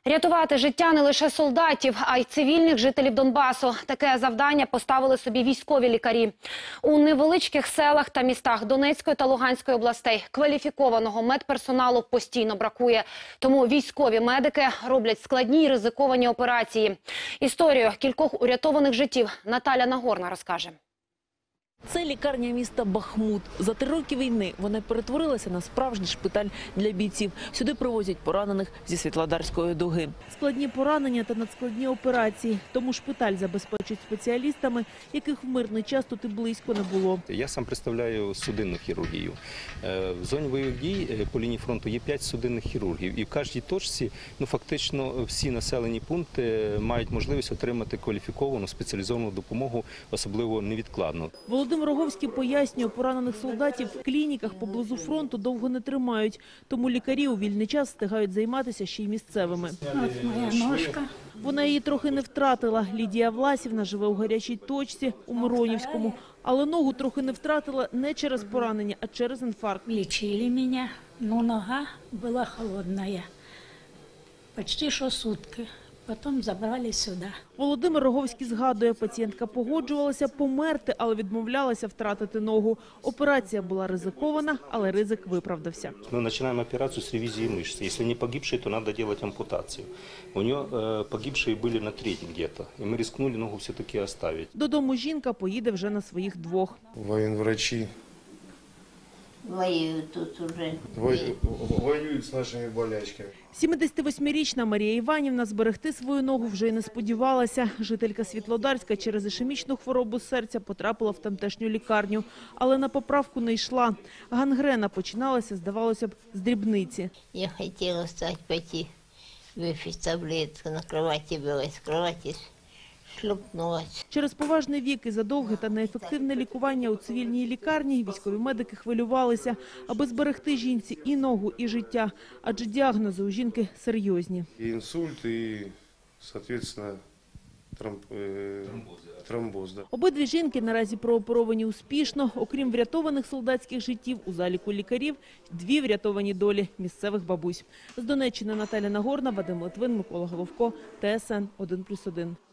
Рятувати життя не лише солдатів, а й цивільних жителів Донбасу. Таке завдання поставили собі військові лікарі. У невеличких селах та містах Донецької та Луганської областей кваліфікованого медперсоналу постійно бракує. Тому військові медики роблять складні й ризиковані операції. Історію кількох урятованих життів Наталя Нагорна розкаже. Це лікарня міста Бахмут. За 3 роки війни вона перетворилася на справжній шпиталь для бійців. Сюди привозять поранених зі Світлодарської дуги. Складні поранення та надскладні операції. Тому шпиталь забезпечують спеціалістами, яких в мирний час тут і близько не було. Я сам представляю судинну хірургію. В зоні бойових дій по лінії фронту є 5 судинних хірургів. І в кожній точці фактично всі населені пункти мають можливість отримати кваліфіковану спеціалізовану допомогу, особливо невідкладну. Володимир Роговський пояснює, поранених солдатів в клініках поблизу фронту довго не тримають. Тому лікарі у вільний час встигають займатися ще й місцевими. От моя ножка. Вона її трохи не втратила. Лідія Власівна живе у гарячій точці у Миронівському. Але ногу трохи не втратила не через поранення, а через інфаркт. Лечили меня, но нога была холодная. Почти что сутки. Потом забрали сюди. Володимир Роговський згадує, пацієнтка погоджувалася померти, але відмовлялася втратити ногу. Операція була ризикована, але ризик виправдався. Мы начинаем операцию с ревизии мышц. Если не погибший, то надо делать ампутацию. У нее погибшие были на треть где-то. И мы рискнули ногу все-таки оставить. Додому жінка поїде вже на своїх 2. Военврачи Воюют тут уже. воюют с нашими болячками. 78-річна Марія Іванівна зберегти свою ногу вже й не сподівалася. Жителька Світлодарська через ішемічну хворобу серця потрапила в тамтешню лікарню. Але на поправку не йшла. Гангрена починалася, здавалося б, з дрібниці. Я хотела встать, пойти выпить таблетку, на кровати была, с кровати шлепнулась. Через поважний вік і задовге та неефективне лікування у цивільній лікарні військові медики хвилювалися, аби зберегти жінці і ногу, і життя. Адже діагнози у жінки серйозні. И инсульт, и, соответственно, тромбоз. Да. Обидві жінки наразі прооперовані успішно. Окрім врятованих солдатських життів, у заліку лікарів 2 врятовані долі місцевих бабусь. З Донеччини Наталя Нагорна, Вадим Литвин, Микола Головко, ТСН 1+1.